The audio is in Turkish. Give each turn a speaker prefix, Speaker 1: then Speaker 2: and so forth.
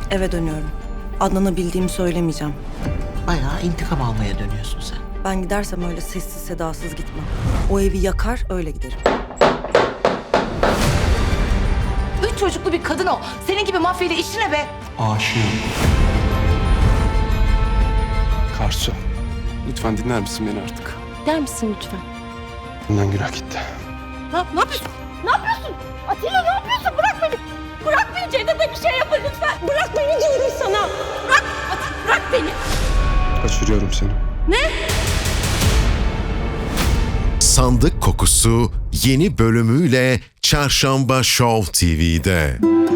Speaker 1: Eve dönüyorum. Adnan'a bildiğimi söylemeyeceğim.
Speaker 2: Bayağı intikam almaya dönüyorsun sen.
Speaker 1: Ben gidersem öyle sessiz sedasız gitmem. O evi yakar öyle giderim.
Speaker 3: 3 çocuklu bir kadın o. Senin gibi mafyayla işi ne be?
Speaker 4: Aşığım. Karsu, lütfen dinler misin beni artık?
Speaker 5: Der misin lütfen?
Speaker 4: Bundan günah gitti.
Speaker 5: Ne yapıyorsun? Ne yapıyorsun? Atilla ne yapıyorsun? Bırak beni. Bırak beni. Cevdet'e bir şey yapın lütfen. Bırak beni diyorum sana. Bırak. Bırak beni.
Speaker 4: Kaçırıyorum seni.
Speaker 6: Sandık Kokusu yeni bölümüyle Çarşamba Show TV'de.